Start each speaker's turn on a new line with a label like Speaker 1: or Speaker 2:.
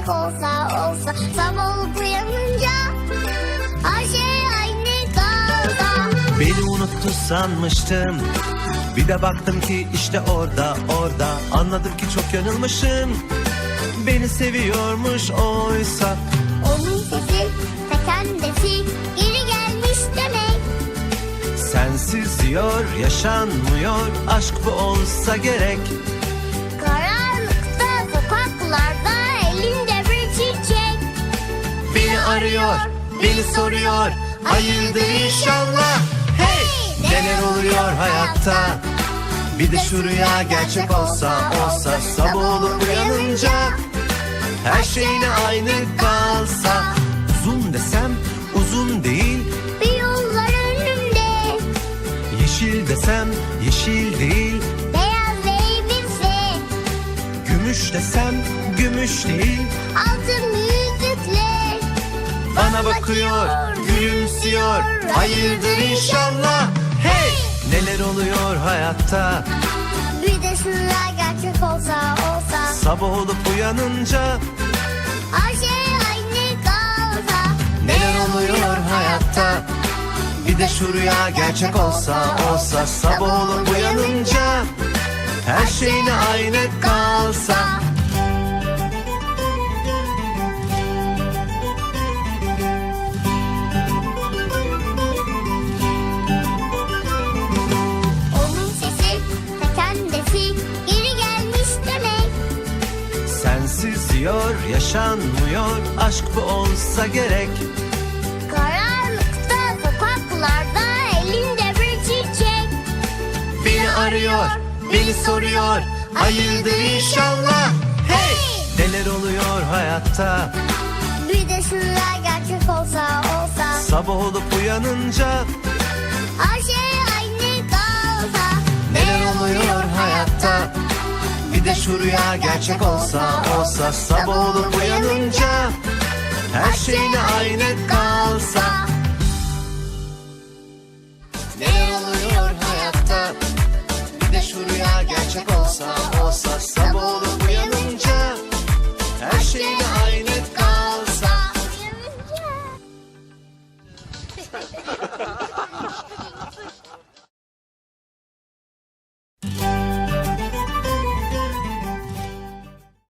Speaker 1: gerçek olsa sabah olup uyanınca her şey aynı kalsa.
Speaker 2: Beni unuttu sanmıştım, bir de baktım ki işte orada anladım ki çok yanılmışım. Beni seviyormuş oysa.
Speaker 1: Onun sesi ta kendisi geri gelmiş demek.
Speaker 2: Sensiz diyor yaşanmıyor, aşk bu olsa gerek.
Speaker 1: Karanlıkta sokaklarda elinde bir çiçek.
Speaker 2: Beni arıyor, beni soruyor, hayırdır inşallah. Hey! Neler oluyor hayatta? Bir de şu rüya gerçek olsa sabah olup uyanınca her şey yine aynı kalsa. Uzun desem uzun değil,
Speaker 1: Bir yollar önümde,
Speaker 2: yeşil desem yeşil değil,
Speaker 1: beyaz elbise,
Speaker 2: gümüş desem gümüş değil.
Speaker 1: altın yüzükler
Speaker 2: Bana bakıyor, gülümsüyor, hayırdır inşallah. Hey! Neler oluyor hayatta?
Speaker 1: Bir de şu rüya gerçek olsa
Speaker 2: Sabah olup uyanınca
Speaker 1: her şey aynı kalsa.
Speaker 2: neler oluyor hayatta? Bir de şu rüya gerçek olsa sabah olup uyanınca her şey yine aynı kalsa.
Speaker 1: Onun sesi ta kendisi geri gelmiş demek.
Speaker 2: Sensiz diyor yaşanmıyor, aşk bu olsa gerek.
Speaker 1: Karanlıkta sokaklarda elinde bir çiçek.
Speaker 2: Beni arıyor, beni soruyor, hayırdır inşallah. Hey! Neler oluyor hayatta?
Speaker 1: Bir de şu rüya gerçek olsa
Speaker 2: Sabah olup uyanınca
Speaker 1: her şey aynı kalsa.
Speaker 2: neler oluyor hayatta? Bir de şu rüya gerçek olsa sabah olup uyanınca her şey yine aynı kalsa. Neler oluyor hayatta? Bir de şu rüya gerçek olsa sabah